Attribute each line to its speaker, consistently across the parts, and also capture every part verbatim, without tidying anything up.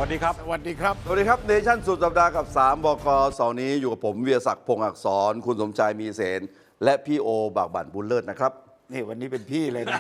Speaker 1: วัสดีครับ
Speaker 2: สวัสดีครับ
Speaker 3: สวัสดีครับเนชั่นสุดสัปดาห์กับสามบกเสาร์นี้อยู่กับผมเวียศักดิ์พงษ์อักษรคุณสมชายมีเสนและพี่โอบากบั่นบุญเลิศนะครับ
Speaker 2: นี่วันนี้เป็นพี่เลยนะ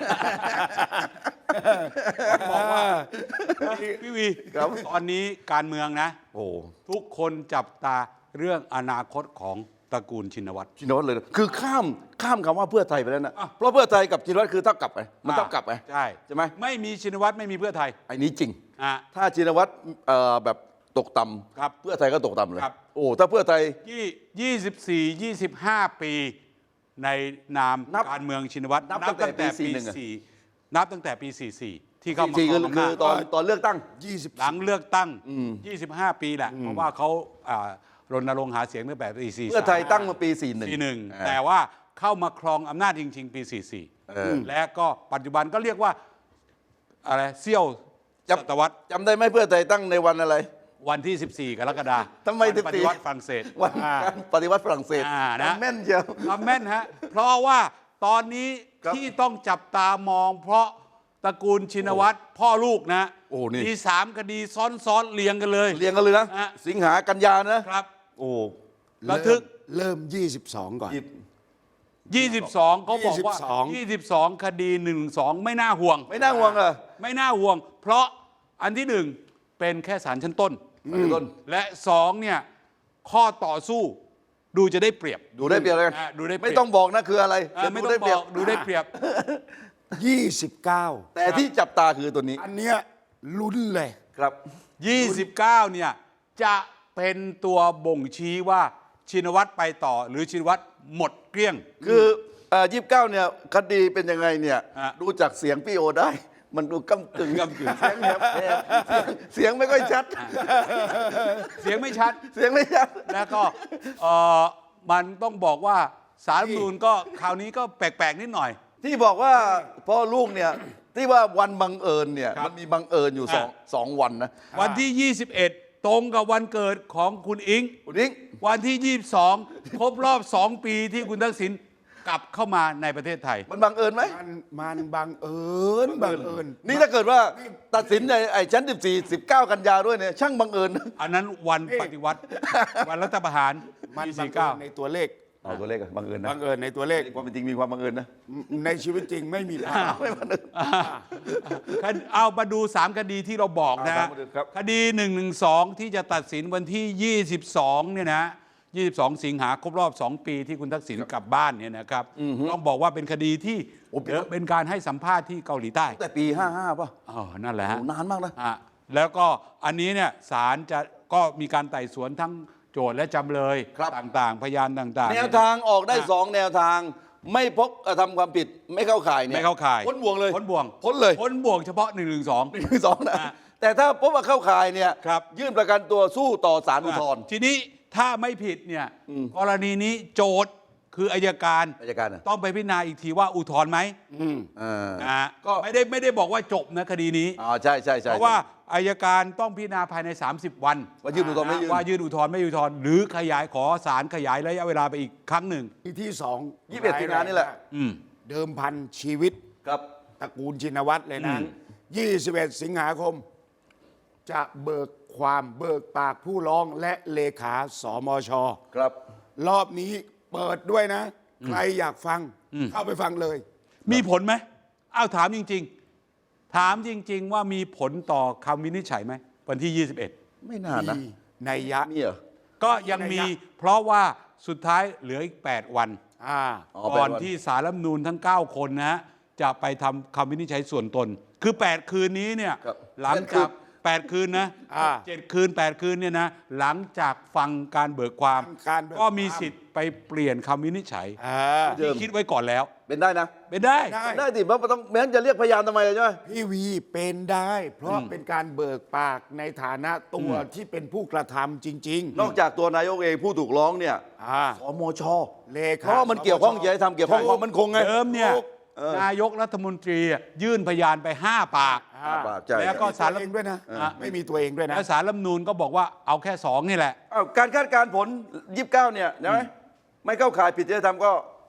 Speaker 1: บอกว่าพี่วีตอนนี้การเมืองนะโอ้ทุกคนจับตาเรื่องอนาคตของตระกูลชินวัตร
Speaker 3: ชินวัตรเลยคือข้ามข้ามคำว่าเพื่อไทยไปแล้วนะเพราะเพื่อไทยกับชินวัตรคือเท่ากับไงมันเท่ากับไง
Speaker 1: ใช่
Speaker 3: ใช่ไหม
Speaker 1: ไม่มีชินวัตรไม่มีเพื่อไทย
Speaker 3: ไอ้นี้จริง
Speaker 1: ถ้
Speaker 3: าชินวัตรแบบตกต่ำเพื่อไทยก็ตกต่ำเลยโอ้ถ้าเพื่อไทย
Speaker 1: ยี่สิบสี่ ยี่สิบห้าปีในนามการเมืองชินวัตร
Speaker 3: นับตั้งแต่ปีสี่
Speaker 1: นับตั้งแต่ปีสี่สิบสี่ที่เข้ามาครองอำนาจ
Speaker 3: ตอนตอนเลือกตั้ง
Speaker 1: หลังเลือกตั้งยี่สิบห้าปีแหละเพราะว่าเขารณรงค์หาเสียงตั้งแต่ปีสี่สิบ
Speaker 3: เพื่อไทยตั้งมาปีสี่สิบ
Speaker 1: เอ็ดแต่ว่าเข้ามาครองอำนาจจริงๆปีสี่สิบสี่และก็ปัจจุบันก็เรียกว่าอะไรเซี่ยวศตวรรษ
Speaker 3: จำได้ไหมเพื่อไทยตั้งในวันอะไร
Speaker 1: วันที่สิบสี่กรกฎาคม
Speaker 3: ทำไมสิบสี่
Speaker 1: ปฏิวัติฝรั่งเศส
Speaker 3: วันการปฏิวัติฝรั่งเศสนะแม่นเชียว
Speaker 1: แม่นฮะเพราะว่าตอนนี้ที่ต้องจับตามองเพราะตระกูลชินวัตรพ่อลูกนะมีสามคดีซ้อนๆเรียงกันเลย
Speaker 3: เรียงกันเลยนะสิงหากันยานะครับโอ้
Speaker 1: ระทึก
Speaker 2: เริ่มยี่สิบสองก่อน
Speaker 1: ยี่สิบสองเขาบอกว่ายี่สิบสองคดีหนึ่งสองไม่น่าห่วง
Speaker 3: ไม่น่าห่วงเหรอ
Speaker 1: ไม่น่าห่วงเพราะอันที่หนึ่งเป็นแค่ศาลชั้นต้นและสองเนี่ยข้อต่อสู้ดูจะได้เปรียบ
Speaker 3: ดูได้เปรียบเลย
Speaker 1: ดูได้
Speaker 3: ไม่ต้องบอกนะคืออะไร
Speaker 1: ไม่ต้องบอกดูได้เปรียบ
Speaker 2: ยี่สิบเก้า
Speaker 3: แต่ที่จับตาคือตัวนี้
Speaker 2: อันเนี้ยลุ้นเลย
Speaker 3: ครับ
Speaker 1: ยี่สิบเก้าเนี่ยจะเป็นตัวบ่งชี้ว่าชินวัตรไปต่อหรือชินวัตรหมดเกลี้ยง
Speaker 3: คือยี่สิบเก้าเนี่ยคดีเป็นยังไงเนี่ยดูจากเสียงพี่โอได้มันดูก้ำกึ่ง
Speaker 1: ก้ำกึ่ง
Speaker 3: เสียงแหบเสียงไม่ค่อยชัด
Speaker 1: เสียงไม่ชัด
Speaker 3: เสียงไม่ชัด
Speaker 1: แล้วก็มันต้องบอกว่าศาลรัฐธรรมนูญก็คราวนี้ก็แปลกๆนิดหน่อย
Speaker 3: ที่บอกว่าพ่อลูกเนี่ยที่ว่าวันบังเอิญเนี่ยมันมีบังเอิญอยู่สองสองวันนะ
Speaker 1: วันที่ยี่สิบเอ็ดตรงกับวันเกิดของคุณอิง
Speaker 3: คุณอิง
Speaker 1: วันที่ยี่สิบสองครบรอบสองปีที่คุณทักษิณกลับเข้ามาในประเทศไทย
Speaker 3: มันบังเอิญไหม
Speaker 2: มันมันบังเอิญบังเอิญ
Speaker 3: นี่ถ้าเกิดว่าตัดสินในไอ้ชั้นสิบสี่ สิบเก้ากันยาด้วยเนี่ยช่างบังเอิญ
Speaker 1: อันนั้นวันปฏิวัติวันรัฐประหาร
Speaker 2: มันบังเอิญในตัวเลข
Speaker 3: เอาตัวเลขบังเอิญนะ
Speaker 2: บังเอิญในตัวเลข
Speaker 3: ความเป็นจริงมีความบังเอิญนะ
Speaker 2: ในชีวิตจริงไม่มี
Speaker 3: ไม่บังเอิญ
Speaker 1: เอามาดูสามคดีที่เราบอกนะคดีหนึ่งหนึ่งสองที่จะตัดสินวันที่ยี่สิบสองเนี่ยนะยี่สิบสองสิงหาครบรอบสองปีที่คุณทักษิณกลับบ้านเนี่ยนะครับต้องบอกว่าเป็นคดีที่เป็นการให้สัมภาษณ์ที่เกาหลีใต้
Speaker 3: แต่ปีห้าห้าป่ะ
Speaker 1: อ๋อนั่นแหละ
Speaker 3: นานมากนะ
Speaker 1: แล้วก็อันนี้เนี่ยศาลจะก็มีการไต่สวนทั้งโจทย์และจำเลยต่างๆพยานต่างๆ
Speaker 3: แนวทางออกได้สองแนวทางไม่พบกระทำความผิดไม่เข้าข่ายเนี่ย
Speaker 1: ไม่เข้าข่าย
Speaker 3: พ้นบ่วงเลย
Speaker 1: พ้นบ่วง
Speaker 3: พ้นเลย
Speaker 1: พ้นบ่วงเฉพาะหนึ่งหนึ่งสอง
Speaker 3: หนึ่งหนึ่งสองนะแต่ถ้าพบว่าเข้าข่ายเนี่ยยื่นประกันตัวสู้ต่อศาลอุทธรณ์
Speaker 1: ทีนี้ถ้าไม่ผิดเนี่ยกรณีนี้โจทย์คืออัยการ
Speaker 3: อัยการ
Speaker 1: ต้องไปพิจารณาอีกทีว่าอุทธรณ์ไหมอ่าก็ไม่ได้ไม่ได้บอกว่าจบนะคดีนี้
Speaker 3: อ๋อใช่ใช่ใช่
Speaker 1: เพราะว่าอัยการต้องพิจารณาภายในสามสิบวัน
Speaker 3: ว่ายื่นอุทธรณ์ไม่ยื่น
Speaker 1: ว่ายื่นอุทธรณ์ไม่อุทธรณ์หรือขยายขอศาลขยายระยะเวลาไปอีกครั้งหนึ่ง
Speaker 2: ที่สอง
Speaker 3: ยี่สิบเอ็ดสิงหานี่แหละ
Speaker 2: เดิมพันชีวิต
Speaker 3: ครับ
Speaker 2: ตระกูลชินวัตรเลยนะยี่สิบเอ็ดสิงหาคมจะเบิกความเบิกปากผู้ร้องและเลขาสมช
Speaker 3: ครับ
Speaker 2: รอบนี้เปิดด้วยนะใครอยากฟังเข้าไปฟังเลย
Speaker 1: มีผลไหมอ้าวถามจริงๆถามจริงๆว่ามีผลต่อคำวินิจฉัยไหมวันที่ยี่สิบเอ็ด
Speaker 3: ไม่น่านะ
Speaker 2: ในยะ
Speaker 3: นี่เหรอ
Speaker 1: ก็ยังมีเพราะว่าสุดท้ายเหลืออีกแปดวันก่อนที่ศาลรัฐธรรมนูญทั้งเก้าคนนะจะไปทำคำวินิจฉัยส่วนตนคือแปดคืนนี้เนี่ยหลังจากแปดคืนนะเจ็ดคืนแปดคืนเนี่ยนะหลังจากฟังการเบิกความก็มีสิทธิ์ไปเปลี่ยนคำวินิจฉัยที่คิดไว้ก่อนแล้ว
Speaker 3: เป็นได้นะ
Speaker 1: เป็นได้
Speaker 3: ได้ดิเพราะต้องแม้จะเรียกพยานทำไมเลยใช่ไหม
Speaker 2: พี่วีเป็นได้เพราะเป็นการเบิกปากในฐานะตัวที่เป็นผู้กระทำจริง
Speaker 3: ๆนอกจากตัวนายกเองผู้ถูกร้องเนี่ยสมช
Speaker 2: เลขา
Speaker 3: เพราะมันเกี่ยวข้องจะให้ทำเกี่ยวข้องความมั่นคงไง
Speaker 1: เดิมเนี่ยนายกรัฐมนตรียื่นพยานไปห้าปากแล้วก็ศาลรัฐธรรมนูญ
Speaker 2: ด้วยนะไม่มีตัวเองด้วยนะ
Speaker 1: แล้วศาลรัฐธรรมนูญก็บอกว่าเอาแค่สองนี่แหละ
Speaker 3: การคาดการณ์ผลยี่สิบเก้าเนี่ยนะไม่เข้าข่ายผิดจริยธรรมก็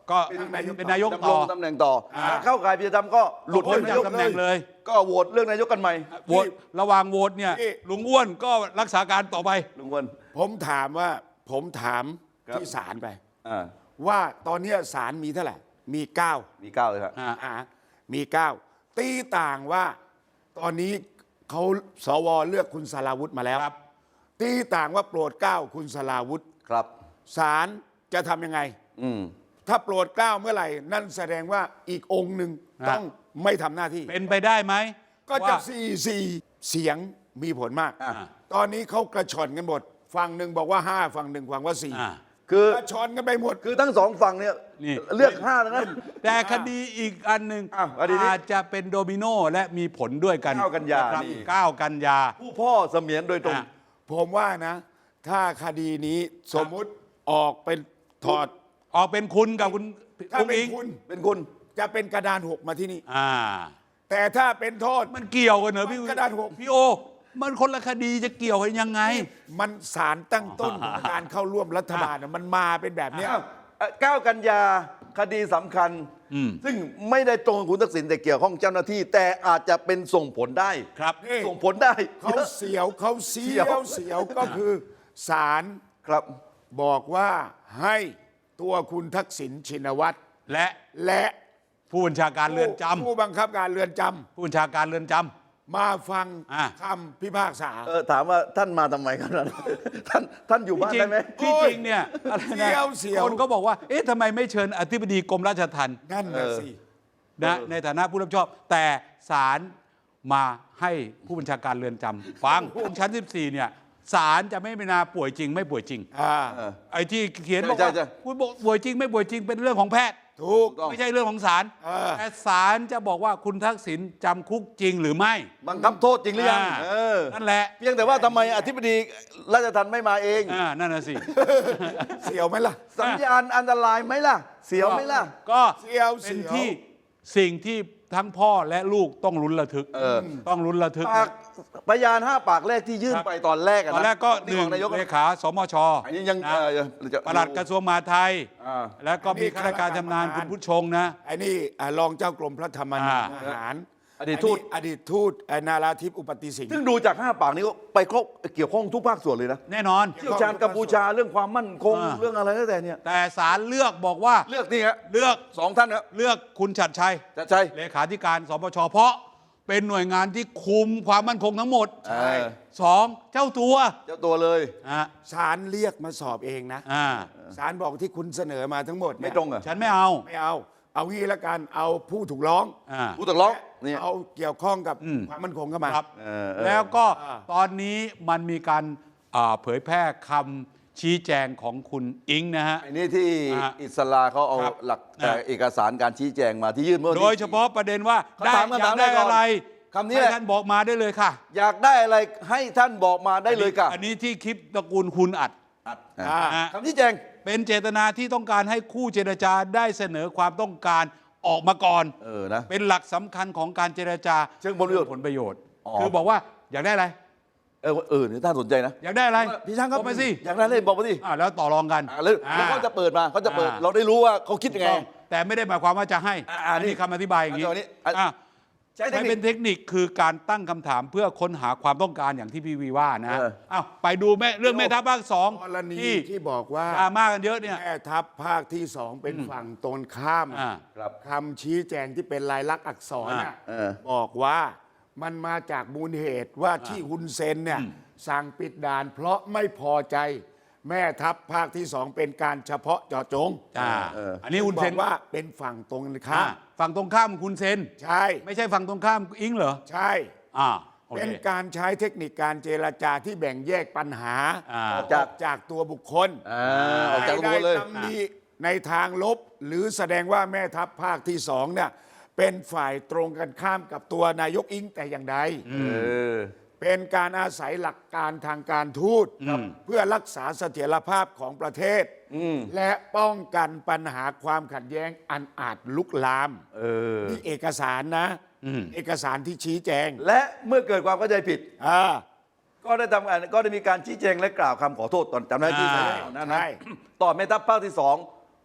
Speaker 1: ก็
Speaker 2: เป็นนายก
Speaker 1: เป็นนายก
Speaker 3: ดำร
Speaker 1: ต่อง
Speaker 3: ตำแหน่งต่อถ้าเข้าข่ายพิจารณาก็หลุด
Speaker 1: พ้น
Speaker 3: เป็นนา
Speaker 1: จาย ก
Speaker 3: ก
Speaker 1: ตำแหน่งเลย
Speaker 3: ก็โหวตเรื่องนายกกันใหม่
Speaker 1: โหวตระหว่างโหวตเนี่ย
Speaker 2: นี่
Speaker 1: ลุงอ้วนก็รักษาการต่อไป
Speaker 3: ลุงวน
Speaker 2: ผมถามว่าผมถาม
Speaker 3: ครับ
Speaker 2: ที่ศาลไป
Speaker 3: อ่า
Speaker 2: ว่าตอนเนี้ยศาลมีเท่าไหร่ มีเก้า
Speaker 3: มีเก้าเลยครับ
Speaker 1: อ่า
Speaker 2: อ่ามีเก้าตีต่างว่าตอนนี้เขาสวเลือกคุณสราวุธมาแล้ว
Speaker 1: ครับ
Speaker 2: ตีต่างว่าโปรดเกล้าคุณสราวุธ
Speaker 3: ครับ
Speaker 2: ศาลจะทำยังไง
Speaker 3: อืม
Speaker 2: ถ้าโปรดเกล้าเมื่อไหร่ นั่นแสดงว่าอีกองค์หนึ่งต้องไม่ทำหน้าที่
Speaker 1: เป็นไปได้ไหม
Speaker 2: ก็จะ
Speaker 1: ว่า
Speaker 2: สี่สี่เสียงมีผลมาก
Speaker 3: อ่า
Speaker 2: ตอนนี้เขากระชอนกันหมดฝั่งหนึ่งบอกว่าห้าฝั่งหนึ่งบอกว่าสี่
Speaker 1: อ่า
Speaker 3: คือ
Speaker 2: กระชอนกันไปหมด
Speaker 3: คือทั้งสองฝั่งเนี่ย
Speaker 1: นี่
Speaker 3: เลือกห้าแล้วนะ
Speaker 1: แต่คดีอีกอันหนึ่ง
Speaker 3: อ้าวคดีนี้
Speaker 1: อาจจะเป็นโดมิโนและมีผลด้วยกัน
Speaker 3: เก้ากันยา
Speaker 1: ะครับ
Speaker 3: นี่
Speaker 1: เก้ากันยา
Speaker 3: ผู้พ่อเสมียนโดยตรง
Speaker 1: อ่ะ
Speaker 2: ผมว่านะ ถ้าคดีนี้สมมุติออกเป็นถอด
Speaker 1: ออกเป็นคุณกับคุณ
Speaker 2: ถ้า
Speaker 1: อุ้ง
Speaker 2: เป็น
Speaker 1: อิง
Speaker 2: คุณ
Speaker 3: เป็นคุณ
Speaker 2: จะเป็นกระดานหกมาที่นี่
Speaker 1: อ่า
Speaker 2: แต่ถ้าเป็นโทษ
Speaker 1: มันเกี่ยวกันเหรอพี่
Speaker 2: มันกระดานหก
Speaker 1: พี่โอ มันคนละคดีจะเกี่ยวกันยังไง
Speaker 2: มันสารตั้งต้นของการเข้าร่วมรัฐบาลน่ะมันมาเป็นแบบเนี้ย
Speaker 3: อ้าวเอ่อเก้ากันยาคดีสำคัญ
Speaker 1: อืม
Speaker 3: ซึ่งไม่ได้ตรงกับคุณทักษิณแต่เกี่ยวข้องเจ้าหน้าที่ แต่อาจจะเป็นส่งผลได้
Speaker 1: ครับ
Speaker 2: นี่
Speaker 3: ส่งผลได้
Speaker 2: เขาเสียวเขาเสียวเสียวก็คือศาล
Speaker 3: ครับ
Speaker 2: บอกว่าให้ตัวคุณทักษิณชินวัตร
Speaker 1: และ
Speaker 2: และ
Speaker 1: ผู้บัญชาการเรือนจำ
Speaker 2: ผู้บังคับการเรือนจำ
Speaker 1: ผู้บัญชาการเรือนจำ
Speaker 2: มาฟัง
Speaker 1: อ่ะ
Speaker 2: คำพิพากษา
Speaker 3: เออถามว่าท่านมาทำไมครับ ท่านท่านอยู่บ้าน
Speaker 1: จริ
Speaker 3: ได้
Speaker 1: ง
Speaker 3: ไหม
Speaker 1: ที่จริงเนี่ยอะไร
Speaker 2: เสี
Speaker 1: นะ
Speaker 2: ยวเสียว
Speaker 1: คนก็บอกว่า เอ๊ะทำไมไม่เชิญอธิบดีกรมราชทัณฑ์
Speaker 2: นั่นนะสิ
Speaker 1: นะในฐานะผู้รับผิดชอบ แต่ศาลมาให้ผู้บัญชาการเรือนจำฟังชั้นสิบสี่เนี่ยศาลจะไม่พิจารณาป่วยจริงไม่ป่วยจริง
Speaker 2: อ่า
Speaker 1: ไอ้ที่เขียนบอก
Speaker 3: ใช่
Speaker 1: ว่า
Speaker 3: ใช่
Speaker 1: คุณบอกป่วยจริงไม่ป่วยจริงเป็นเรื่องของแพทย์
Speaker 2: ถูก
Speaker 1: ไม่ใช่เรื่องของศาล
Speaker 2: เออ
Speaker 1: แต่ศาลจะบอกว่าคุณทักษิณจำคุกจริงหรือไม่
Speaker 3: บังคับโทษจริงหรือยัง
Speaker 1: อ่า
Speaker 3: เออ
Speaker 1: นั่นแหละ
Speaker 3: เพียงแต่ว่าทำไมอธิบดีราชทัณฑ์ไม่มาเอง
Speaker 1: อ่านั่นน่ะสิ
Speaker 2: เสียวไหมล่ะ
Speaker 3: สัญญาณอันตรายไหมล่ะ เสียวไหมล่ะ
Speaker 1: ก็
Speaker 2: เสียว
Speaker 1: เป็น
Speaker 2: เสียว
Speaker 1: ที่สิ่งที่ทั้งพ่อและลูกต้องลุ้นระทึก
Speaker 3: เออ
Speaker 1: ต้องลุ้นระทึก
Speaker 3: ปากพยานห้าปากแรกที่ยื่น
Speaker 1: ครับ
Speaker 3: ไปตอนแรกะ
Speaker 1: ตอนแรกก็ห
Speaker 3: นี่
Speaker 1: นึ่
Speaker 3: ของ งนายก
Speaker 1: เลขาสมช
Speaker 3: อันนี้ยัง
Speaker 1: นะ
Speaker 3: เอ่อจะ
Speaker 1: ปลัดกระทรวงมหาดไทย
Speaker 3: อ่า
Speaker 1: แล้วก็มีข้าราชการชำนาญคุณผู้ชงนะ
Speaker 2: ไอ้นี่อ่ารองเจ้ากรมพระธรรมนูญ
Speaker 1: อ่า
Speaker 2: ทหาร
Speaker 3: อดีตทูต
Speaker 2: อดีตทูตไอ้นาราธิปอุปติสิงห์
Speaker 3: ซึ่งดูจากห้าปากนี้ก็ไปครบเกี่ยวข้องทุกภาคส่วนเลยนะ
Speaker 1: แน่นอน
Speaker 3: เชี่ยวชาญกัมพูชาเรื่องความมั่นคง
Speaker 1: อ่า
Speaker 3: เรื่องอะไรแล้วแต่เนี่ย
Speaker 1: แต่ศาลเลือกบอกว่า
Speaker 3: เลือกนี่ฮะ
Speaker 1: เลือก
Speaker 3: สองท่านครับ
Speaker 1: เลือกคุณชัดชัย
Speaker 3: จะใช่
Speaker 1: เลขาธิการสปชเพราะเป็นหน่วยงานที่คุมความมั่นคงทั้งหมด
Speaker 3: ใช่
Speaker 1: สองเจ้าตัว
Speaker 3: เจ้าตัวเลย
Speaker 1: อ่า
Speaker 2: ศาลเรียกมาสอบเองนะ
Speaker 1: อ่า
Speaker 2: ศาลบอกที่คุณเสนอมาทั้งหมด
Speaker 3: ไม่
Speaker 2: เนี่ย
Speaker 3: ตรงเหรอ่ะ
Speaker 1: ฉันไม่เอา
Speaker 2: ไม่เอา เอางี้ละกันเอาผู้ถูกร้อง
Speaker 1: อ่า
Speaker 3: ผู้ตกร้องเนี่ย
Speaker 2: เอาเกี่ยวข้องกับ
Speaker 1: อืม
Speaker 2: ความมั่นคงเข้ามา
Speaker 1: ครับ
Speaker 3: เออเออ
Speaker 1: แล้วก็
Speaker 2: อ่า
Speaker 1: ตอนนี้มันมีการอ่าเผยแพร่คำชี้แจงของคุณอิงนะฮะ
Speaker 3: ไอ้นี่ที่
Speaker 1: อ่า
Speaker 3: อิสราเขาเอา
Speaker 1: ครับ
Speaker 3: หลัก
Speaker 1: อ่า
Speaker 3: เอกสารการชี้แจงมาที่ยื่นเมื่อวันที่
Speaker 1: โดยเฉพาะประเด็นว่า
Speaker 3: เขา
Speaker 1: ได้
Speaker 3: ถามคำ
Speaker 1: อยา
Speaker 3: ถาม
Speaker 1: กได้
Speaker 3: แรกก่อน
Speaker 1: อะไร
Speaker 3: คำนี้แหละ
Speaker 1: ให้ท่านบอกมาได้เลยค่ะ
Speaker 3: อยากได้อะไรให้ท่านบอกมาได้เลยค่ะ
Speaker 1: อันนี้ที่คลิปตระกูลคุณอัด
Speaker 3: อ่ะ
Speaker 2: อ่า
Speaker 1: อ่ะ
Speaker 3: คำชี้แจง
Speaker 1: เป็นเจตนาที่ต้องการให้คู่เจรจาได้เสนอความต้องการออกมาก่อน
Speaker 3: เออนะ
Speaker 1: เป็นหลักสำคัญของการเจรจา
Speaker 3: เชิงผลประโยชน์
Speaker 1: ผลประโยชน์
Speaker 3: อ๋อ
Speaker 1: คือบอกว่าอยากได้อะไร
Speaker 3: เออเออนี่ท่านสนใจนะ
Speaker 1: อยากได้อะไร
Speaker 3: พี่ช่างครับ
Speaker 1: บอกไปสิ
Speaker 3: อยากได้เลยบอกมาสิ
Speaker 1: อ่าแล้วต่อรองกัน
Speaker 3: อ่าแล้วแล้วเขาจะเปิดมาเขาจะเปิด
Speaker 1: อ่า
Speaker 3: เราได้รู้ว่าเขาคิดยังไง
Speaker 1: ต้องแต่ไม่ได้หมายความว่าจะให้
Speaker 3: อ่าอ่า
Speaker 1: อันนี้
Speaker 3: นี่
Speaker 1: คำอธิบายอย่างนี้
Speaker 3: อันนี้อัน
Speaker 1: อ่ะ
Speaker 3: ใช้เทค
Speaker 1: ใช้
Speaker 3: นิ
Speaker 1: เป็
Speaker 3: คน
Speaker 1: เทคนิคคือการตั้งคำถามเพื่อค้นหาความต้องการอย่างที่พี่วีว่านะ
Speaker 3: เออ
Speaker 1: อ้าวไปดูแม่เรื่องแม่ทัพภาคสอง
Speaker 2: กรณี
Speaker 1: ที่
Speaker 2: ที่บอกว่า
Speaker 1: ดราม่ากันเยอะเนี่ย
Speaker 2: แม่ทัพภาคที่สองเป็นฝั่งตรงข้าม
Speaker 1: อ่า
Speaker 3: ครับ
Speaker 2: คำชี้แจงที่เป็นลายลักษณ์อักษรน่ะ
Speaker 3: เออ
Speaker 2: บอกว่ามันมาจากมูลเหตุว่าที่ฮุนเซนเนี่ยสั่งปิดด่าน เพราะไม่พอใจ แม่ทัพภาคที่สองเป็นการเฉพาะเจาะจง
Speaker 1: อ่า
Speaker 3: เออ
Speaker 1: อันนี้คุณ
Speaker 2: บ
Speaker 1: เซ
Speaker 2: อน กว่าเป็นฝั่งตรงข้า
Speaker 1: อ่าม ฝั่งตรงข้ามคุณเซน
Speaker 2: ใช่
Speaker 1: ไม่ใช่ฝั่งตรงข้ามอิงเหรอ
Speaker 2: ใช่
Speaker 1: อ่าโอเค
Speaker 2: เป็นการใช้เทคนิคการเจรจาที่แบ่งแยกปัญหา
Speaker 1: อ่า
Speaker 2: ออกจากจากตัวบุคคล
Speaker 3: อ่าออกจากตัวเลย
Speaker 2: ไม่ได้ตำหนิในทางลบ หรือแสดงว่าแม่ทัพภาคที่สองเนี่ยเป็นฝ่ายตรงกันข้ามกับตัวนายกอิงแต่อย่างใด
Speaker 3: เออ
Speaker 2: เป็นการอาศัยหลักการทางการทูตเพื่อรักษาเสถียรภาพของประเทศ และป้องกันปัญหาความขัดแย้งอันอาจลุกลาม
Speaker 3: เออ
Speaker 2: นี่เอกสารนะ เอกสารที่ชี้แจง
Speaker 3: และเมื่อเกิดความเข้าใจผิด
Speaker 2: อ่า
Speaker 3: ก็ได้ทำการก็ได้มีการชี้แจงและกล่าวคำขอโทษตอนจำได้ที่
Speaker 1: อ่า
Speaker 3: นั่นนะ
Speaker 2: ใช่
Speaker 3: ต่อแม่ทัพภาคที่สอง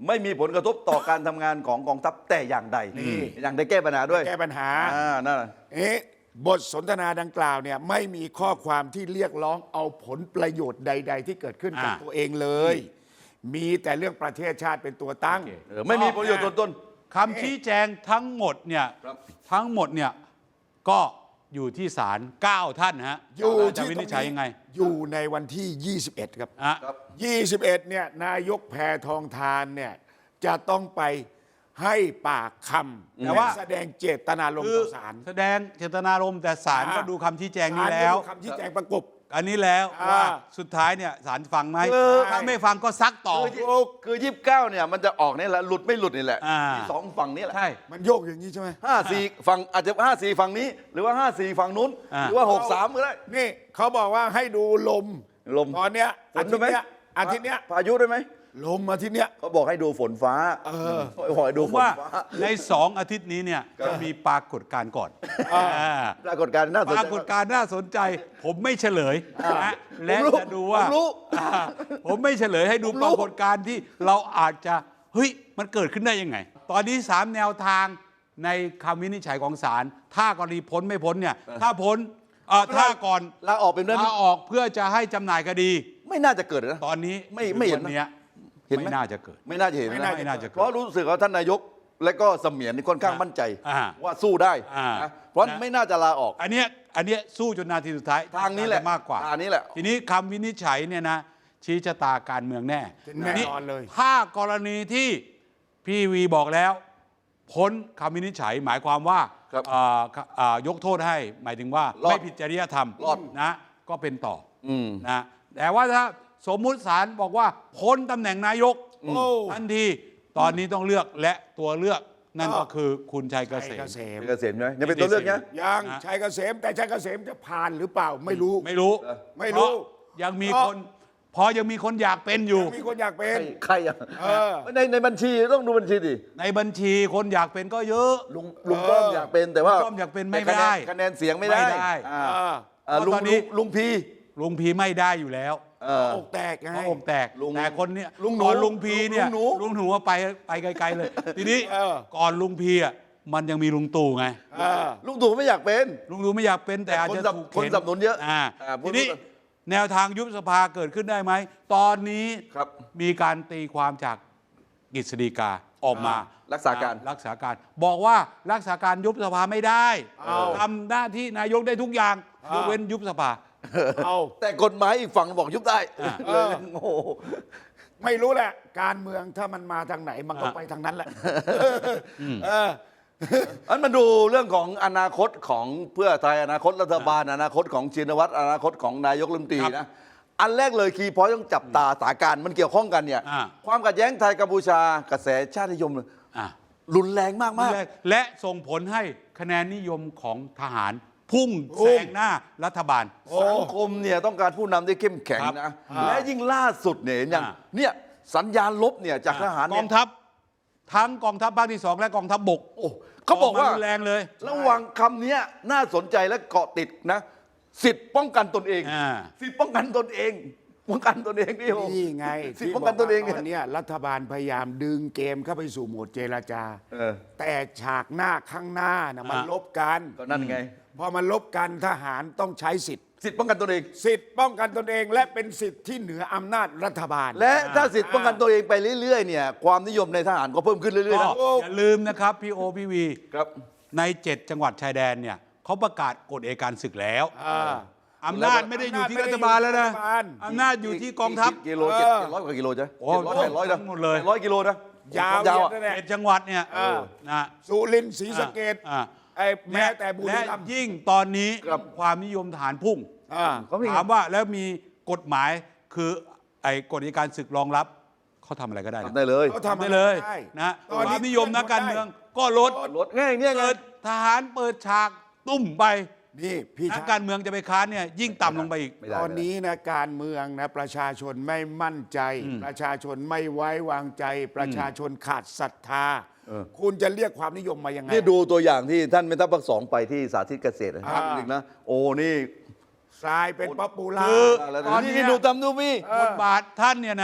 Speaker 3: ไม่มีผลกระทบต่อการทำงานของกองทัพแต่อย่างใดอย่างได้แก้ปัญหาด้วย
Speaker 2: แก้ปัญหา
Speaker 3: อ่านั่นน่ะ
Speaker 2: เอ๊ะบทสนทนาดังกล่าวเนี่ยไม่มีข้อความที่เรียกร้องเอาผลประโยชน์ใด ๆ ที่เกิดขึ้นกับ
Speaker 1: อ่า
Speaker 2: ตัวเองเลย มีแต่เรื่องประเทศชาติเป็นตัวตั้ง
Speaker 1: โอเค
Speaker 3: เออไม่มีผลประโยชน์ตนต้น
Speaker 1: คำชี้แจงทั้งหมดเนี่ย
Speaker 3: ครับ
Speaker 1: ทั้งหมดเนี่ยก็อยู่ที่ศาลเก้าท่านฮะ
Speaker 2: อยู่
Speaker 1: จะ
Speaker 2: ที่
Speaker 1: วิ
Speaker 2: ตร
Speaker 1: นิจ
Speaker 2: ง
Speaker 1: ฉัย
Speaker 2: นี้
Speaker 1: ยังไง
Speaker 2: อยู่ในวันที่ ยี่สิบเอ็ด ครับ
Speaker 1: อ่ะ
Speaker 3: ครับ
Speaker 2: ยี่สิบเอ็ด เนี่ยนายกแพทองทานเนี่ยจะต้องไปให้ปากคำ
Speaker 1: แต่ว่า
Speaker 2: และแสดงเจตนารมณ์
Speaker 1: คือ
Speaker 2: ต่อศาล
Speaker 1: แสดงเจตนารมณ์แต่ศาลก็ดูคำชี้แจงนี้
Speaker 2: ศาล
Speaker 1: แล้ว
Speaker 2: ก็ดูคำชี้แจงประกบ
Speaker 1: อันนี้แล้ว
Speaker 2: อ่า
Speaker 1: ว่าสุดท้ายเนี่ยศาลฟังไหม
Speaker 3: คือ
Speaker 1: ถ้าไม่ฟังก็ซักต่อ
Speaker 3: คือคือยี่สิบเก้าเนี่ยมันจะออกนี่แหละหลุดไม่หลุดนี่แหละ
Speaker 1: อ่า
Speaker 3: มีสองฝั่งนี้แหละ
Speaker 1: ใช่
Speaker 2: มันโยกอย่างนี้ใช่ไหม
Speaker 3: ห้าสี่ฝั่งอาจจะห้าสี่ฝั่งนี้ หรือว่าห้าสี่ฝั่งนู้น
Speaker 1: อ่า
Speaker 3: หรือว่าหกสามก็ได้
Speaker 2: นี่เขาบอกว่าให้ดูลม
Speaker 3: ลม
Speaker 2: ตอนเนี้ย
Speaker 3: ฝ
Speaker 2: อาน ทิ
Speaker 3: ด้
Speaker 2: ต
Speaker 3: วยไหม
Speaker 2: ย์เนี้ยอาทิตย์เนี้ย
Speaker 3: พายุด้วยไหม
Speaker 2: ลมอาทิตย์เนี้ย
Speaker 3: เขาบอกให้ดูฝนฟ้า
Speaker 2: เออ
Speaker 3: ขอให้ดู
Speaker 1: ผม
Speaker 3: ฝน
Speaker 1: ว่า
Speaker 3: ฟ้า
Speaker 1: ในสองอาทิตย์นี้เนี่ยจะมีปรากฏการณ์ก่อนอ่า
Speaker 3: ปรากฏการณ์น่าสน
Speaker 1: ป
Speaker 3: ใจ
Speaker 1: รากฏการณ์น่าสนใจ ผมไม่เฉลยนะและ
Speaker 3: ผมรู้
Speaker 1: จะดูว่า
Speaker 3: ผมรู้
Speaker 1: อ่าผมไม่เฉลยให้ดู
Speaker 3: ผม
Speaker 1: ป
Speaker 3: รู้
Speaker 1: รากฏการณ์ที่เราอาจจะเฮ้ยมันเกิดขึ้นได้ยังไง ตอนนี้สามแนวทางในคำวินิจฉัยของศาลถ้ากรณีพ้นไม่พ้นเนี่ยถ้าพ้นเอ่อถ้าก่อน
Speaker 3: ลาออกเป็นเรื่อง
Speaker 1: ลาออกเพื่อจะให้จำหน่ายคดี
Speaker 3: ไม่น่าจะเกิดนะ
Speaker 1: ตอนนี้
Speaker 3: ไม่ไม่เห็น
Speaker 1: วั
Speaker 3: นะ
Speaker 1: เนี้ย
Speaker 3: เห็นไหม
Speaker 1: ไม่น่าจะเกิด
Speaker 3: ไม่น่าจะเห็น
Speaker 2: ไม่
Speaker 3: นะ
Speaker 2: น่า
Speaker 1: ไม่น่าจะ
Speaker 3: เพ
Speaker 1: เกิด
Speaker 3: ราะรู้สึกว่าท่านนายกและก็เสมียนนี่ค่อนข้างมั่นใจ
Speaker 1: อ่า
Speaker 3: ว่าสู้ได้
Speaker 1: อ่า
Speaker 3: นะเพราะ
Speaker 1: นะ
Speaker 3: ไม่น่าจะลาออก
Speaker 1: อันเนี้ยอันเนี้ยสู้จนนาทีสุดท้าย
Speaker 3: ทางนี้แหละ
Speaker 1: จมากกว่า
Speaker 3: ทางนี้แหละ
Speaker 1: ทีนี้คำวินิจฉัยเนี่ยนะชี้ชะตาการเมืองแน่
Speaker 2: แน่นอนเลย
Speaker 1: ถ้ากรณีที่พี่วีบอกแล้ว พ้นคำวินิจฉัยหมายความว่า
Speaker 3: ครับ
Speaker 1: เอ่อเอ่อยกโทษให้ หมายถึงว่าร
Speaker 3: อด
Speaker 1: ไม่ผิดจริยธรรม
Speaker 3: รอด
Speaker 1: นะก็เป็นต่ออ
Speaker 3: อืม
Speaker 1: นะแต่ว่าถ้าสมมุติศาลบอกว่าพ้นตำแหน่งนายก
Speaker 2: โอ้
Speaker 1: ทันทีตอนนี้ต้องเลือกและตัวเลือกนั่นก็คือคุณชัยเกษ
Speaker 2: ชัย
Speaker 1: ม
Speaker 2: เกษม
Speaker 3: เกษมใช่ไหมยังเป็นตัวเลือกนะ
Speaker 2: ยัง
Speaker 1: นะ
Speaker 2: ชัยเกษมแต่ชัยเกษมจะผ่านหรือเปล่าไม่รู้
Speaker 1: ไม่รู้
Speaker 2: ไม่รู้
Speaker 1: เพาะยังมี
Speaker 2: เพราะ
Speaker 1: คนพอยังมีคนอยากเป็นอยู่
Speaker 2: มีคนอยากเป็น
Speaker 3: ใครอ่ะ
Speaker 2: เออ
Speaker 3: ในในบัญชีต้องดูบัญชีดิ
Speaker 1: ในบัญชีคนอยากเป็นก็เยอะ
Speaker 3: ลุงลุงป้อมอยากเป็นแต่ว่า
Speaker 1: ลุงป้อมอยากเป็นไม่
Speaker 3: แต่คะแนน
Speaker 1: ได้
Speaker 3: คะแนนเสียงไม่ได้
Speaker 1: ไม่ได้
Speaker 3: อ่า
Speaker 2: เออ
Speaker 3: อ่าลุง
Speaker 1: ตอนนี้
Speaker 3: ลุงลุงพี
Speaker 1: ลุงพีไม่ได้อยู่แล้ว
Speaker 3: เออ
Speaker 2: อกแตกไง
Speaker 1: เพราะอกแตก
Speaker 3: ลุง
Speaker 1: แต่คนเนี้ย
Speaker 3: ลุงหนู
Speaker 1: ก่อนลุงพีเนี่ย
Speaker 3: ลุงหนู
Speaker 1: ลุงหนูว่าไปไปไกลๆเลย ทีนี้
Speaker 2: เออ
Speaker 1: ก่อนลุงพีอ่ะมันยังมีลุงตู่ไง
Speaker 2: เออ
Speaker 3: ลุงตู่ไม่อยากเป็น
Speaker 1: ลุงตู่ไม่อยากเป็นแต่อาจจะ
Speaker 3: คนสนับ
Speaker 1: ถูก
Speaker 3: คน
Speaker 1: เข็น
Speaker 3: สนับสนุนเยอะ
Speaker 1: อ่า
Speaker 3: อ่า
Speaker 1: ทีนี้
Speaker 3: พูด
Speaker 1: แนวทางยุบสภาเกิดขึ้นได้ไหมตอนนี้
Speaker 3: ครับ
Speaker 1: มีการตีความจากกฤษฎีกาออกมา
Speaker 3: รักษาการ
Speaker 1: รักษาการ บอกว่ารักษาการยุบสภาไม่ได้
Speaker 2: เอา
Speaker 1: ทำหน้าที่นายกได้ทุกอย่างยกเว้นยุบสภา
Speaker 2: เอา
Speaker 3: แต่กฎหมายอีกฝั่งบอกยุบได้
Speaker 1: อ่า
Speaker 3: เลยโอ้โห
Speaker 2: ไม่รู้แหละ การเมืองถ้ามันมาทางไหนมันก็
Speaker 1: อ่ะ
Speaker 2: ไปทางนั้นแหละเออ
Speaker 3: อันมาดูเรื่องของอนาคตของเพื่อไทยอนาคตรัฐบาลอนาคตของชินวัตรอนาคตของนายกรัฐมนตรี
Speaker 1: ครับ
Speaker 3: นะอันแรกเลยคีย์พอยต์ต้องจับตาสถานการณ์มันเกี่ยวข้องกันเนี่ย
Speaker 1: อ่า
Speaker 3: ความขัดแย้งไทยกัมพูชากระแสชาตินิยม
Speaker 1: อ่ะ
Speaker 3: รุนแรงมากมาก
Speaker 1: และและส่งผลให้คะแนนนิยมของทหาร พุ่ง
Speaker 2: พุ่
Speaker 1: แซ
Speaker 2: ง
Speaker 1: งหน้ารัฐบาล
Speaker 3: สังคมเนี่ยต้องการผู้นำที่เข้มแข็ง
Speaker 1: ครับ
Speaker 3: นะ
Speaker 1: อ่า
Speaker 3: และยิ่งล่าสุดเนี่ยเห็นยัง
Speaker 1: อ่า
Speaker 3: เนี่ยสัญญาณลบเนี่ยจากทหาร
Speaker 1: ก
Speaker 3: เนี่
Speaker 1: อย งทัพ ทั้งกองทัพภาคที่สองและกองทัพบก
Speaker 3: โอ้เขาบอกว่า
Speaker 1: รุนแรงเลย
Speaker 3: ระวังคำเนี้ยน่าสนใจและเกาะติดนะ สิทธิ์ป้องกันตนเอง
Speaker 1: อ่า
Speaker 3: สิทธิ์ป้องกันตนเอง ป้องกันตนเองนี่โอ้
Speaker 2: นี่ไง
Speaker 3: สิทธิ์ป้องกันตนเอง
Speaker 2: ที่บกว่าตอนเนี้ยรัฐบาลพยายามดึงเกมเข้าไปสู่โหมดเจรจา
Speaker 3: เออ
Speaker 2: แต่ฉากหน้าข้างหน้านะมัน
Speaker 1: อ่ะ
Speaker 2: ลบกัน
Speaker 3: ก็นั่นไง
Speaker 2: พอมันลบกันทหารต้องใช้สิทธิ์
Speaker 3: สิทธิ์ป้องกันตนเอง
Speaker 2: สิทธิ์ป้องกันตนเองและเป็นสิทธิ์ที่เหนืออำนาจรัฐบาล
Speaker 3: และถ้าสิทธิ์ป้องกันตัวเองไปเรื่อยๆเนี่ยความนิยมในทหารก็เพิ่มขึ้นเรื่อยๆ
Speaker 1: ก็
Speaker 3: นะ
Speaker 1: อย่าลืมนะครับพี่โอพี่วี
Speaker 3: ครับ
Speaker 1: ในเจ็ดจังหวัดชายแดนเนี่ยเขาประกาศกฎเอยการศึกแล้ว
Speaker 2: อ่า
Speaker 1: อำนาจไม่ได้อยู่ที่รัฐบาลแล้วนะ
Speaker 2: อำนาจไม่ได้อยู่ที่รัฐบาล
Speaker 1: อำนาจอยู่ที่กองทัพ
Speaker 3: กิโล
Speaker 2: เออ
Speaker 3: เจ็ดร้อยกว่ากิโลจ้ะ
Speaker 1: โอ้
Speaker 3: เจ็ดร้อยแปดร้อยนะ
Speaker 1: ทั้งหมดเลย
Speaker 3: แปดร้อยกิโลนะ
Speaker 2: ยาว
Speaker 3: ยาว
Speaker 2: เหยีย
Speaker 3: อะ
Speaker 2: ดนั่นแหละ
Speaker 1: เจ็ดจังหวัดเนี่ย
Speaker 2: เออ
Speaker 1: นะ
Speaker 2: สุรินทร์ศรีสะเกษ
Speaker 1: อ่า
Speaker 2: ไอ้แม้แต่บุรี
Speaker 1: และ
Speaker 2: รัมย์
Speaker 1: ยิ่งตอนนี้
Speaker 3: ครับ
Speaker 1: ความนิยมทหารพุ่ง
Speaker 2: อ่า
Speaker 3: เขามี
Speaker 1: ถามว่าแล้วมีกฎหมายคือไอ้กฎอัยการศึกรองรับเขาทำอะไรก็ได้นะ
Speaker 3: ทำได้เลย
Speaker 2: เขา
Speaker 1: ทำ
Speaker 2: ทำ
Speaker 1: ได้
Speaker 2: อะไร
Speaker 1: เลย
Speaker 2: ได้
Speaker 1: นะ
Speaker 2: ตอน
Speaker 1: ค
Speaker 2: นี้
Speaker 1: วามนิยมนักการเมืองก็ลด
Speaker 3: รถง่ายเนี่ยไง
Speaker 1: เกิดทหารเปิดฉากตุ้มไป
Speaker 2: นี่พี่
Speaker 1: นัก
Speaker 2: ชา
Speaker 1: การเมืองจะไปค้านเนี่ยยิ่งต่ำลงไปอีก
Speaker 3: ไม่ได้
Speaker 2: ตอนนี้นะการเมืองนะประชาชนไม่มั่นใจ ประชาชนไม่ไว้วางใจ ประชาชนขาดศรัทธา
Speaker 3: เออ
Speaker 2: คุณจะเรียกความนิยมมายังไง
Speaker 3: นี่ดูตัวอย่างที่ท่านเมทัพภาคสองไปที่สาธิตเกษตรนะ
Speaker 2: อ่า
Speaker 3: หนึ่งนะ โอ้นี่
Speaker 2: ทรายเป็นป๊อปปูล่า
Speaker 1: คือ
Speaker 3: แล้ว
Speaker 1: ตอนนี้
Speaker 3: นี่ดูตำดูมี่
Speaker 1: บทบาทท่านเนี่ยนะ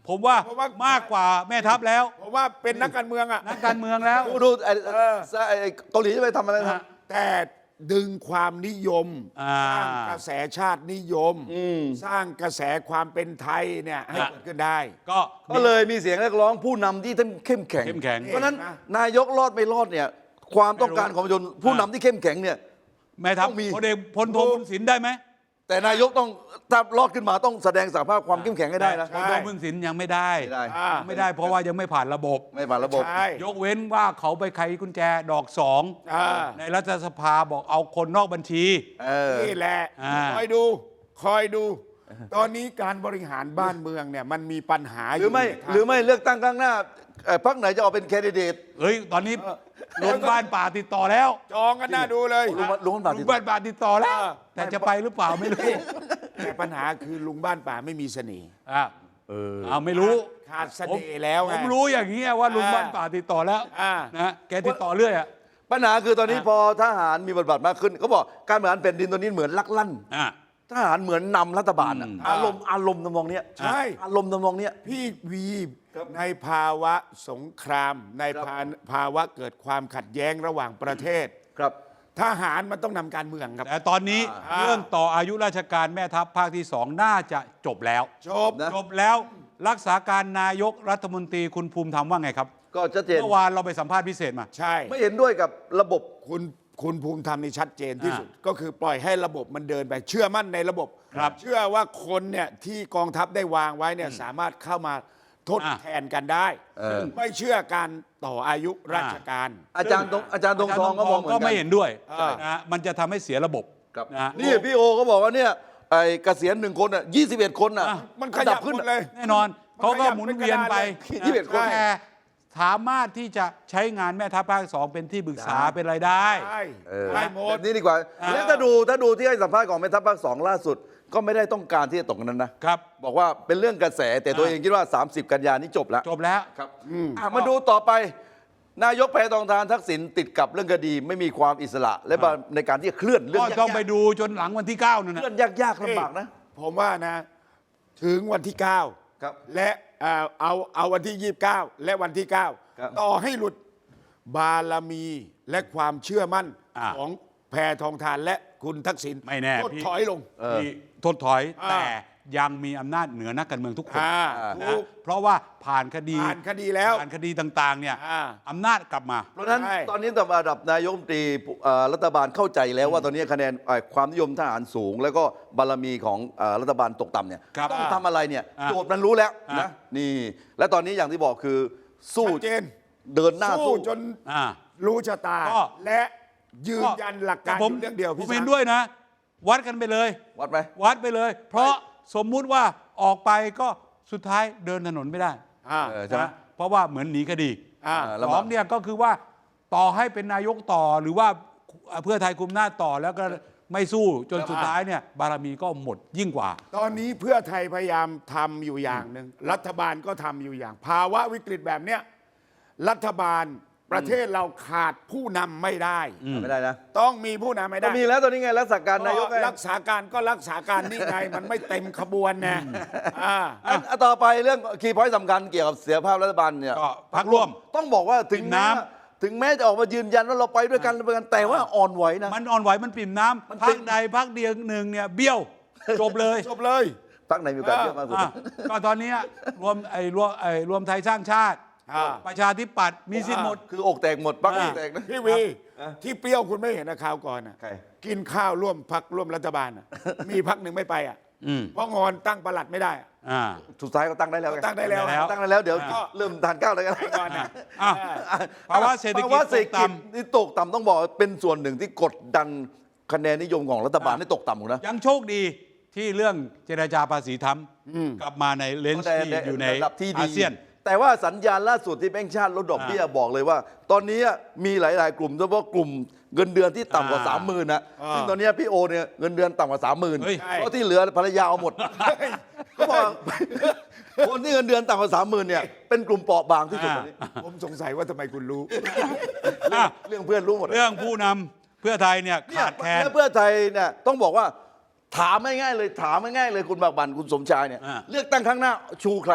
Speaker 1: ผมว่า
Speaker 2: เพราะว่า
Speaker 1: มากกว่าแม่ทัพแล้ว
Speaker 2: เพราะว่าเป็นนักการเมืองอ่ะ
Speaker 1: นักการเมืองแล้ว
Speaker 3: ดูดูไอ้
Speaker 2: เออ
Speaker 3: ไอ้เกาหลีจะไปทำอะไรนะ
Speaker 2: แต่ดึงความนิยม
Speaker 1: อ่า
Speaker 2: สร้างกระแสชาตินิยม สร้างกระแสความเป็นไทยเนี่ยให้
Speaker 1: อ่ะ
Speaker 2: เกิดขึ้นได้
Speaker 1: ก็
Speaker 3: ก็เลยมีเสียงเรียกร้องผู้นำที่ท่านเข้มแข็ง
Speaker 1: เข้มแข็ง
Speaker 3: เพราะฉะนั้น
Speaker 2: เห็นไหม
Speaker 3: นายกรอดไม่รอดเนี่ยความต้องการของประชาชนผู้นำที่เข้มแข็งเนี่ย
Speaker 1: แม่ทัพ
Speaker 3: ต้องมี
Speaker 1: พลเอกพลโทบุญสินได้ไหม
Speaker 3: แต่นายกต้องถ้ารอดขึ้นมาต้องแสดงสภาพความเข้มแข็งให้ได้นะ
Speaker 1: พลโทบุญสินยังไม่ได้
Speaker 3: ไม่ได้
Speaker 2: อ่า
Speaker 1: ไม่ได้เพราะว่ายังไม่ผ่านระบบ
Speaker 3: ไม่ผ่านระบบ
Speaker 2: ใช่
Speaker 1: ยกเว้นว่าเขาไปไขกุญแจดอกสอง
Speaker 2: อ่า
Speaker 1: ในรัฐสภาบอกเอาคนนอกบัญชี
Speaker 3: เออ
Speaker 2: นี่แหละ
Speaker 1: อ่า
Speaker 2: คอยดู คอยดู ตอนนี้การบริหารบ้านเมืองเนี่ยมันมีปัญหา
Speaker 3: หรือไม่
Speaker 2: ยู่ในทาง
Speaker 3: หรือไม่เลือกตั้งครั้งหน้าเอ่อพรรคไหนจะออกเป็นแคนดิเดต
Speaker 1: เฮ้ยตอนนี้โรงพยาบาลป่าติดต่อแล้ว
Speaker 2: จองกันน่าดูเลย
Speaker 3: ลุงลุงบาท
Speaker 1: โรงพยาบาลป่าติดต่อแล้ว แต่จะไปหรือเปล่าไม่รู้
Speaker 2: แต่ปัญหาคือลุงบ้านป่าไม่มีเสน่ห์
Speaker 1: อ่ะเอาไม่รู้
Speaker 2: ขาดเสน่ห์แล้วไง
Speaker 1: ผมรู้อย่างนี้ยว่าลุง
Speaker 2: อ่า
Speaker 1: บ้านป่าติดต่อแล้ว
Speaker 2: อ่า
Speaker 1: นะแกติดต่อเรื่อยอ่ะ
Speaker 3: ปัญหาคือตอนนี้
Speaker 1: อ่ะ
Speaker 3: พอทหารมีบทบาทมากขึ้นเขาบอกการบริหารแผ่นดินตอนนี้เหมือนลักลั่น
Speaker 1: อ่ะ
Speaker 3: ทหารเหมือนนำรัฐบาลอะ
Speaker 1: อืม
Speaker 3: อารมณ์อารมณ์ทำนองเนี้ย
Speaker 2: ใช่
Speaker 3: อารมณ์ทำนองเนี้ย
Speaker 2: พี่วีในภาวะสงคราม ใน
Speaker 3: ครับ
Speaker 2: ภาภาวะเกิดความขัดแย้งระหว่างประเทศ
Speaker 3: ครับ
Speaker 2: ทหารมันต้องนำการเมืองครับ
Speaker 1: แต่ตอนนี้
Speaker 2: อ่า
Speaker 1: เรื่องต่ออายุราชการแม่ทัพภาคที่สองน่าจะจบแล้ว
Speaker 2: จบ
Speaker 3: นะ
Speaker 1: จบแล้วรักษาการนายกรัฐมนตรีคุณภูมิธรรมว่าไงครับ
Speaker 3: ก็ชัดเจน
Speaker 1: เมื่อวานเราไปสัมภาษณ์พิเศษมา
Speaker 2: ใช่
Speaker 3: ไม่เห็นด้วยกับระบบ
Speaker 2: คุณคุณภูมิธรรมนี่ชัดเจนที่
Speaker 1: อ่า
Speaker 2: สุด ก็คือปล่อยให้ระบบมันเดินไป เชื่อมั่นในระบบ
Speaker 1: ครับ
Speaker 2: เชื่อว่าคนเนี่ยที่กองทัพได้วางไว้เนี่ยสามารถเข้ามาทด
Speaker 1: อ่า
Speaker 2: แทนกันได้
Speaker 3: เออ
Speaker 2: ไม่เชื่อการต่ออายุราชการ
Speaker 3: อาจารย์ตรงอาจารย์ตรงทองก็มองเหมือน
Speaker 1: ก็
Speaker 3: กั
Speaker 1: ไม่
Speaker 3: น
Speaker 1: เห็นด้วย
Speaker 2: อ่าน
Speaker 1: นะฮะมันจะทำให้เสียระบบ
Speaker 3: ครับ
Speaker 1: นะฮะ
Speaker 3: นี่พี่โอก็บอกว่าเนี่ยไอ้เกษียณหนึ่งคนอ่ะยี่สิบเอ็ดคนอ่ะ
Speaker 1: อ่ะ
Speaker 2: มันขยับ
Speaker 3: ขึ้น
Speaker 2: หมดเลย
Speaker 1: แน่นอนเขาก็หมุนเวียนไป
Speaker 3: ยี่สิบเอ็ดคน
Speaker 1: แต่สามารถที่จะใช้งานแม่ทัพภาคสองเป็นที่ปรึกษา
Speaker 3: ได้
Speaker 1: เป็นรายได้
Speaker 2: ใช่
Speaker 3: เออ
Speaker 2: ได้หม
Speaker 3: แบ
Speaker 2: ด
Speaker 3: บนี้ดีกว่า
Speaker 1: อ่า
Speaker 3: แล้วถ้าดูถ้าดูที่ให้สัมภาษณ์ของแม่ทัพภาคสองล่าสุด ก็ไม่ได้ต้องการที่จะตกนั้นนะครับ บอกว่าเป็นเรื่องกระแสแต่ตัว
Speaker 1: อ่า
Speaker 3: เองคิดว่า สามสิบ กันยานี้จบแล้ว
Speaker 1: จบแล้ว
Speaker 3: ครับอ่ะมาดูต่อไป นายกแพทองทานทักษิณติดกับเรื่องคดีไม่มีความอิสระ และในการที่จะเคลื่อนเรื่อ
Speaker 1: ก็
Speaker 3: งยาก
Speaker 1: ต้องไปดูจนหลังวันที่เก้านั่น
Speaker 3: ๆ
Speaker 1: นะ
Speaker 3: เคลื่อนยากๆลำบากนะ
Speaker 2: ผมว่านะ ถึงวันที่เก้า
Speaker 3: ครับ
Speaker 2: และเอ่อเอาเอาวันที่ยี่สิบเก้าและวันที่เก้า
Speaker 3: ครับ
Speaker 2: ต่อให้หลุดบารมีและความเชื่อมั่น
Speaker 1: อ่า
Speaker 2: ของแพทองทานและคุณทักษิณ
Speaker 1: ไม่แน่
Speaker 2: ก็
Speaker 1: พี่
Speaker 2: ถอยลง
Speaker 1: ที่ทดถอย
Speaker 2: อ่า
Speaker 1: แต่ยังมีอำนาจเหนือนักการเมืองทุกคน
Speaker 2: อ่า
Speaker 1: นะ
Speaker 2: ถูก
Speaker 1: เพราะว่าผ่านคดี
Speaker 2: ผ่านคดีแล้ว
Speaker 1: ผ่านคดีต่างๆเนี่ย
Speaker 2: อ่า
Speaker 1: อำนาจกลับมา
Speaker 3: เพราะฉะนั้น
Speaker 2: ใช่
Speaker 3: ตอนนี้ระดับนายกรัฐมนตรีเอ่อรัฐบาลเข้าใจแล้วว่าตอนนี้คะแนนเอ่อความนิยมทหารสูง แล้วก็บารมีของเอ่อรัฐบาลตกต่ำเนี่ย
Speaker 1: ครับ
Speaker 3: ต้องทำอะไรเนี่ย
Speaker 1: อ่า
Speaker 3: โจทย์มันรู้แล้ว
Speaker 1: อ่าน
Speaker 3: นะนี่ และตอนนี้อย่างที่บอกคือสู้
Speaker 2: ชัดเจน
Speaker 3: เดินหน้า
Speaker 2: สู้
Speaker 3: สู้
Speaker 2: จน
Speaker 1: อ่า
Speaker 2: รู้ชะตา
Speaker 1: ก็
Speaker 2: และยืนยันหลักการ
Speaker 1: ผม
Speaker 2: อยู่เรื่องเดียว
Speaker 1: ผ
Speaker 2: พี่
Speaker 1: มเห็น
Speaker 2: ช้าง
Speaker 1: ด้วยนะ วัดกันไปเลย
Speaker 3: วัดไหม
Speaker 1: วัดไปเลย เพราะสมมุติว่าออกไปก็สุดท้ายเดินถนนไม่ได้
Speaker 2: อ่า
Speaker 3: เออใช่ไหม
Speaker 1: นะเพราะว่าเหมือนหนีคดี
Speaker 2: อ่า
Speaker 3: เออ
Speaker 1: สองเนี่ยก็คือว่าต่อให้เป็นนายกต่อหรือว่าเพื่อไทยคุมหน้าจต่อแล้วก็ไม่สู้จนสุดท้ายเนี่ยบารมีก็หมดยิ่งกว่า
Speaker 2: ตอนนี้เพื่อไทยพยายามทำอยู่อย่างหนึ่งรัฐบาลก็ทำอยู่อย่าง ภาวะวิกฤตแบบเนี้ยรัฐบาลประเทศเราขาดผู้นำไม่ได้
Speaker 3: ไม่ได้นะ
Speaker 2: ต้องมีผู้นำไม่
Speaker 3: ก็
Speaker 2: ได้
Speaker 3: มีแล้วตอนนี้ไงรักษาการนายกไง
Speaker 2: รักษาการก็รักษาการนี่ไง มันไม่เต็มขบวนนะอ่า
Speaker 3: อันอันต่อไปเรื่องคีย์พอยต์สำคัญเกี่ยวกับเสียภาพรัฐบาลเนี่ย
Speaker 1: ก็พรรคร่วม
Speaker 3: ต้องบอกว่าถึง
Speaker 1: ปิ่ม
Speaker 3: แม้
Speaker 1: น้ำ
Speaker 3: ว่าถึงแม้จะออกมายืนยันว่าเราไปด้วยกันเราไปกันแต่ว่าอ่อนไหวนะ
Speaker 1: มันอ่อนไหวมันปิ่มน้
Speaker 3: มัน
Speaker 1: ำพั
Speaker 3: ปิ่
Speaker 1: ก
Speaker 3: ม
Speaker 1: ใดพักเดียวหนึ่งเนี่ยเบี้ยว จบเลย
Speaker 2: จบเลย
Speaker 3: พักไหนมีโอกาสเยอะมากสุด
Speaker 1: อ่ะก็ตอนเนี้ยรวมไอ้รวมไอ้รวมไทยสร้างชาติ
Speaker 2: อ่า
Speaker 1: ประชาธิปัตย์มีสิทธิ์หมด
Speaker 3: คืออกแตกหมดพักอกแตกนะ
Speaker 2: พี่วีที่เปรี้ยวคุณไม่เห็นนะข่าวก่อนนะ
Speaker 3: ใคร
Speaker 2: กินข้าวร่วมพักร่วมรัฐบาลน่ะมีพักหนึ่งไม่ไปอ่ะ
Speaker 1: อืม
Speaker 2: เพราะงอนตั้งประหลัดไม่ได้อะ
Speaker 1: อ่า
Speaker 3: สุดท้ายก็ตั้งได้แล้วไ
Speaker 2: ตั้งได้แล้ว
Speaker 1: แล้ว
Speaker 3: ตั้งได้แล้วเดี๋ยว
Speaker 1: อ่า
Speaker 3: เริ่มทานข้าวอะไรกัน
Speaker 2: ไปก่อนนะ
Speaker 1: อ่ะ ภาวะเศรษฐกิจ
Speaker 3: ภาวะเศรษฐ
Speaker 1: ตก
Speaker 3: กิจ
Speaker 1: ต่ำ
Speaker 3: ที่ตกต่ำต้องบอกว่าเป็นส่วนหนึ่งที่กดดันคะแนนนิยมของรัฐบาลให้ตกต่ำหมดนะ
Speaker 1: ยังโชคดีที่เรื่องเจรจาภาษีทำกลับมาในเลนส์ที่อยู่ใน
Speaker 3: ระดับที่ดี
Speaker 1: อาเซียน
Speaker 3: แต่ว่าสัญญาณล่าสุดที่แบงก์ชาติลดดอกเบี้ยบอกเลยว่า ตอนนี้มีหลาย ๆ กลุ่มโดยเฉพาะกลุ่มเงินเดือนที่ต่ำกว่า
Speaker 1: อ่า
Speaker 3: สามหมื่นนะ
Speaker 2: อ่า
Speaker 3: ซึ่งตอนนี้พี่โอเนี่ยเงินเดือนต่ำกว่าสามหมื่น
Speaker 1: เฮ้ย
Speaker 3: เพราะที่เหลือภรรยาเอาหมดเขาบอกคนที่เงินเดือนต่ำกว่าสามหมื่นเนี่ยเป็นกลุ่มเปราะบางที่สุดตอนนี้
Speaker 2: ผมสงสัยว่าทำไมคุณรู้
Speaker 1: อ่ะ
Speaker 3: เรื่องเพื่อนรู้หมด
Speaker 1: เรื่องผู้นำเพื่อไทยเนี่ย
Speaker 3: เนี่ย
Speaker 1: ขาดแคลน
Speaker 3: แล้วเพื่อไทยเนี่ยต้องบอกว่าถามง่ายๆเลยถามง่ายๆเลยคุณบากบันคุณสมชายเนี่ย
Speaker 1: อ่า
Speaker 3: เลือกตั้งครั้งหน้าชูใคร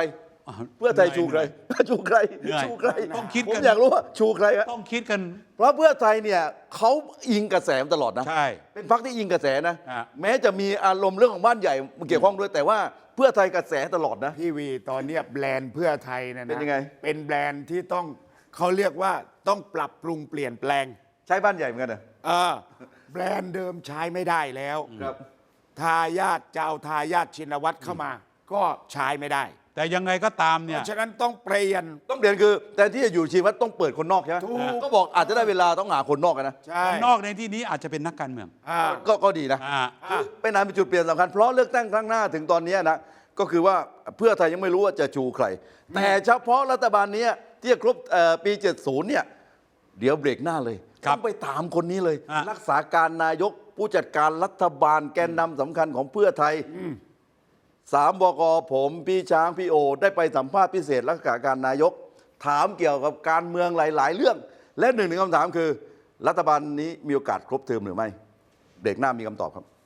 Speaker 3: เพื่อไทยชูใครชูใคร
Speaker 1: เหนื่อย
Speaker 3: ชูใคร
Speaker 1: ต้องคิด
Speaker 3: ผม
Speaker 1: กัน
Speaker 3: อยากรู้ว่าชูใครครับ
Speaker 1: ต้องคิดกัน
Speaker 3: เพราะเพื่อไทยเนี่ยเขาอิงกระแสมาตลอดนะ
Speaker 1: ใช่
Speaker 3: เป็นพรรคที่อิงกระแสนะ
Speaker 1: ฮะ
Speaker 3: แม้จะมีอารมณ์เรื่องของบ้านใหญ่มาเกี่ยวข้องด้วยแต่ว่าเพื่อไทยกระแสตลอดนะ
Speaker 2: พี่วีตอนเนี้ยแบรนด์เพื่อไทยนะนะ
Speaker 3: เป็นยังไง
Speaker 2: เป็นแบรนด์ที่ต้องเขาเรียกว่าต้องปรับปรุงเปลี่ยนแปลง
Speaker 3: ใช้บ้านใหญ่เหมือนกันนะ
Speaker 2: เออแบรนด์เดิมใช้ไม่ได้แล้ว
Speaker 3: ครับ
Speaker 2: ทายาทจะเอาทายาทชินวัตรเข้ามา ก็ใช้ไม่ได้
Speaker 1: แต่ยังไงก็ตาม
Speaker 2: เพ
Speaker 1: เนี่ย
Speaker 2: ราะฉะนั้นต้องเปลี่ยน
Speaker 3: ต้องเปลี่ยนคือแต่ที่จะอยู่ชีวิตต้องเปิดคนนอกใช่ไหม
Speaker 2: ถูก
Speaker 3: ก็บอกอาจจะได้เวลาต้องหาคนนอกกันนะ
Speaker 2: ใช่
Speaker 1: นอกในที่นี้อาจจะเป็นนักการเมือง
Speaker 2: อ่า
Speaker 3: ก็ก็ดีนะ
Speaker 1: อ่า
Speaker 3: คือเป็นอันเป็นจุดเปลี่ยนสำคัญเพราะเลือกตั้งครั้งหน้าถึงตอนนี้นะก็คือว่าเพื่อไทยยังไม่รู้ว่าจะชูใคร แต่เฉพาะรัฐบาลนี้ที่จะครบเอ่อปีเจ็ดสิบเนี่ยเดี๋ยวเบรกหน้าเลย
Speaker 1: ครับ
Speaker 3: ต้องไปถามคนนี้เลย
Speaker 1: อ่ะ
Speaker 3: รักษาการนายกผู้จัดการรัฐบาลแกนนำสำคัญของเพื่อไทยสามบกผมพี่ช้างพี่โอ ได้ไปสัมภาษณ์พิเศษรักษาการนายก ถามเกี่ยวกับการเมืองหลาย ๆ เรื่อง และหนึ่งในคำถามคือ รัฐบาลนี้มีโอกาสครบเทอมหรือไม่เบรกหน้ามีคำตอบครับ